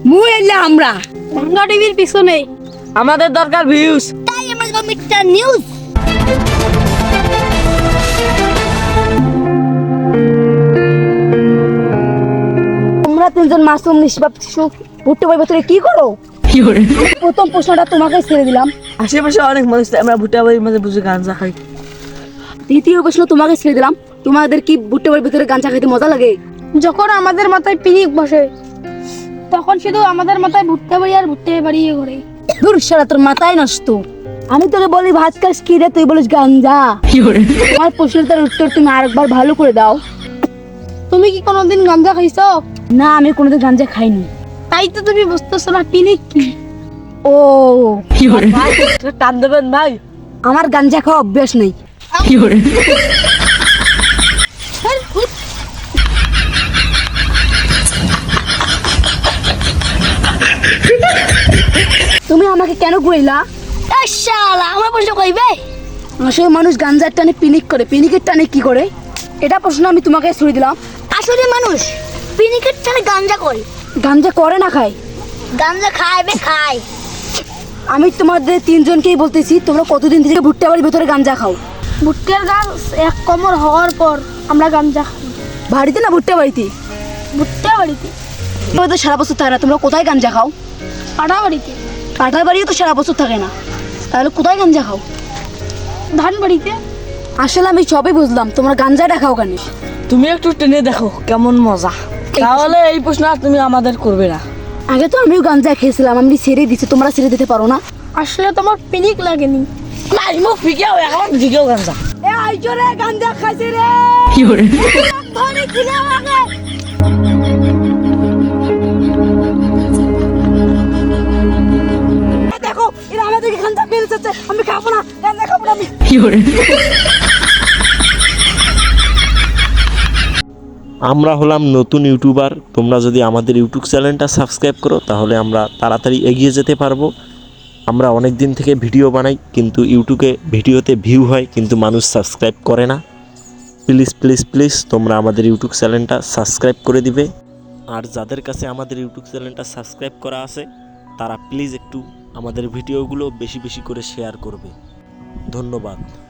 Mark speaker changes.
Speaker 1: মুই এলে আমরা
Speaker 2: ভাঙ্গা টিভির পিছনে
Speaker 3: আমাদের দরকার ভিউজ,
Speaker 1: তাই আমরা যাব মিস্টার নিউজ। তোমরা তিনজন মাসুম নিষ্পাপ শিশু ভুট্টো বই ভেতরে কি করো? প্রথম প্রশ্নটা তোমাকে ছেড়ে দিলাম।
Speaker 3: আশেপাশে অনেক মানুষ, আমরা ভুট্টা বাড়ির মাঝে বসে গাঁজা খাই।
Speaker 1: দ্বিতীয় প্রশ্ন তোমাকে ছেড়ে দিলাম। তোমাদের কি ভুট্টো বইয়ের ভেতরে গাঁজা খেতে মজা লাগে?
Speaker 2: যখন আমাদের মাথায় পিনিক বসে তখন শুধু আমাদের মাথায় ভুট্টা বাড়ি আর ভুট্টা বাড়ি ঘোরে।
Speaker 1: দূর শালা, তোর মাথায় নষ্ট। আমি তোকে বলি ভাত খাস কি রে, তুই বলিস গাঞ্জা। তোমার প্রশ্নটার উত্তর তুমি আরেকবার ভালো করে দাও।
Speaker 2: তুমি কি কোনোদিন গাঁজা খাইছো?
Speaker 1: না, আমি কোনোদিন গাঞ্জা খাইনি।
Speaker 2: তাই তো তুমি বুঝতেছো না পিনিক কি।
Speaker 1: ও,
Speaker 3: টান দেবেন ভাই?
Speaker 1: আমার গাঞ্জা খাওয়া অভ্যাস নেই। তুমি আমাকে কেন ঘুরাইলা?
Speaker 2: শালা আমার প্রশ্ন কইবে?
Speaker 1: আসলে মানুষ গাঞ্জার টানে পিনিক করে, পিনিকের টানে কি করে? এটা প্রশ্ন আমি তোমাকে ছুড়ে দিলাম।
Speaker 2: আসলে মানুষ পিনিকের টানে গাঁজা করে।
Speaker 1: গাঞ্জা করে না খায়?
Speaker 2: গাঁজা খাইবে খায়।
Speaker 1: আমি তোমাদের তিনজনকেই বলতেছি, তোমরা কতদিন থেকে ভুট্টা বাড়ির ভেতরে গাঞ্জা খাও?
Speaker 2: ভুট্টার গাছ এক কোমর হওয়ার পর আমরা গাঁজা খাই।
Speaker 1: বাড়িতে না ভুট্টা বাড়িতে?
Speaker 2: ভুট্টা বাড়িতে।
Speaker 1: তোমরা তো সারা বছর থাকে না, তোমরা কোথায় গাঞ্জা খাও?
Speaker 2: পাড়া বাড়িতে।
Speaker 1: কাঁঠাল বাড়িও তো সারা বছর থাকে না, তাহলে কোথায় গাঞ্জা খাও?
Speaker 2: ধান বাড়িতে।
Speaker 1: আসলে আমি সবই বুঝলাম, তোমরা গাঞ্জাটা খাও কেন?
Speaker 3: তুমি একটু টেনে দেখো কেমন মজা, তাহলে এই প্রশ্ন আর তুমি আমাদের করবে না।
Speaker 1: আগে তো আমিও গাঞ্জা খেয়েছিলাম, আমি ছেড়ে দিচ্ছি, তোমরা ছেড়ে দিতে পারো না?
Speaker 2: আসলে তোমার পিনিক লাগেনি।
Speaker 3: নাই মুখ ফিকেও এখন দিকেও গাঞ্জা।
Speaker 1: এ আইজরে গাঞ্জা খাইছে রে। ধরে ছিলে আমাকে। দেখো, এরা আমাদেরকে গাঞ্জা মেরেছে, আমি খাবো না, গাঞ্জা খাবো না আমি।
Speaker 4: আমরা হলাম নতুন ইউটিউবার। তোমরা যদি আমাদের ইউটিউব চ্যানেলটা সাবস্ক্রাইব করো তাহলে আমরা তাড়াতাড়ি এগিয়ে যেতে পারবো। আমরা অনেক দিন থেকে ভিডিও বানাই, কিন্তু ইউটিউবে ভিডিওতে ভিউ হয় কিন্তু মানুষ সাবস্ক্রাইব করে না। প্লিজ প্লিজ প্লিজ তোমরা আমাদের ইউটিউব চ্যানেলটা সাবস্ক্রাইব করে দিবে। আর যাদের কাছে আমাদের ইউটিউব চ্যানেলটা সাবস্ক্রাইব করা আছে তারা প্লিজ একটু আমাদের ভিডিওগুলো বেশি বেশি করে শেয়ার করবে। ধন্যবাদ।